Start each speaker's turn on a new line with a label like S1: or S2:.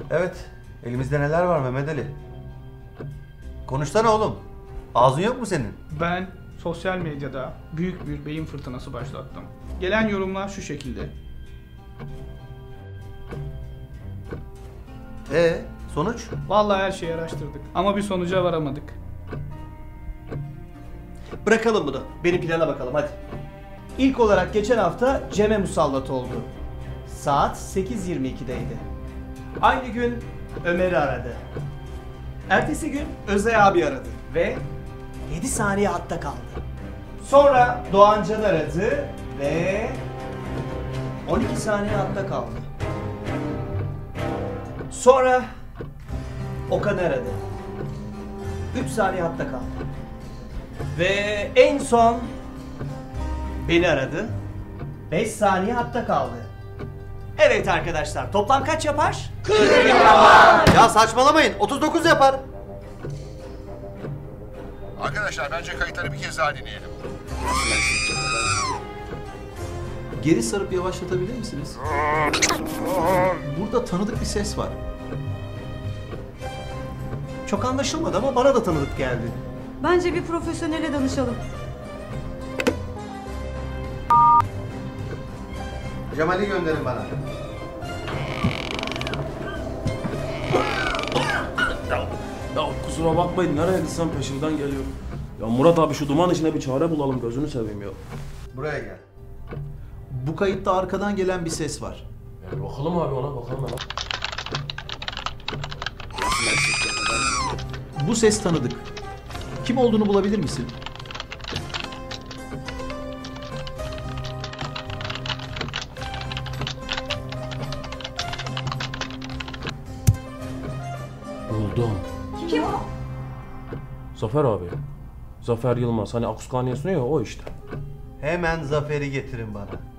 S1: Evet, elimizde neler var Mehmet Ali? Konuşsana oğlum. Ağzın yok mu senin?
S2: Ben sosyal medyada büyük bir beyin fırtınası başlattım. Gelen yorumlar şu şekilde.
S1: Sonuç?
S2: Vallahi her şeyi araştırdık ama bir sonuca varamadık.
S3: Bırakalım bunu. Benim plana bakalım hadi. İlk olarak geçen hafta Cem'e musallat oldu. Saat 8.22'deydi. Aynı gün Ömer'i aradı. Ertesi gün Özay abi aradı ve 7 saniye hatta kaldı. Sonra Doğancan aradı ve 12 saniye hatta kaldı. Sonra Okan aradı. 3 saniye hatta kaldı. Ve en son beni aradı. 5 saniye hatta kaldı. Evet arkadaşlar, toplam kaç yapar?
S1: 40 yapar. Ya saçmalamayın. 39 yapar.
S4: Arkadaşlar bence kayıtları bir kez daha dinleyelim.
S5: Geri sarıp yavaşlatabilir misiniz? Burada tanıdık bir ses var.
S3: Çok anlaşılmadı ama bana da tanıdık geldi.
S6: Bence bir profesyonele danışalım.
S1: Cemal'i gönderin bana.
S7: Ya kusura bakmayın, nereye gitsem peşimden geliyor. Ya Murat abi, şu duman içine bir çare bulalım, gözünü seveyim ya.
S1: Buraya gel.
S5: Bu kayıtta arkadan gelen bir ses var.
S7: Ya bakalım abi, ona bakalım hemen.
S5: Bu ses tanıdık. Kim olduğunu bulabilir misin?
S7: Buldum.
S6: Kim o?
S7: Zafer abi. Zafer Yılmaz, hani Akuskaniye sunuyor ya, o işte.
S1: Hemen Zafer'i getirin bana.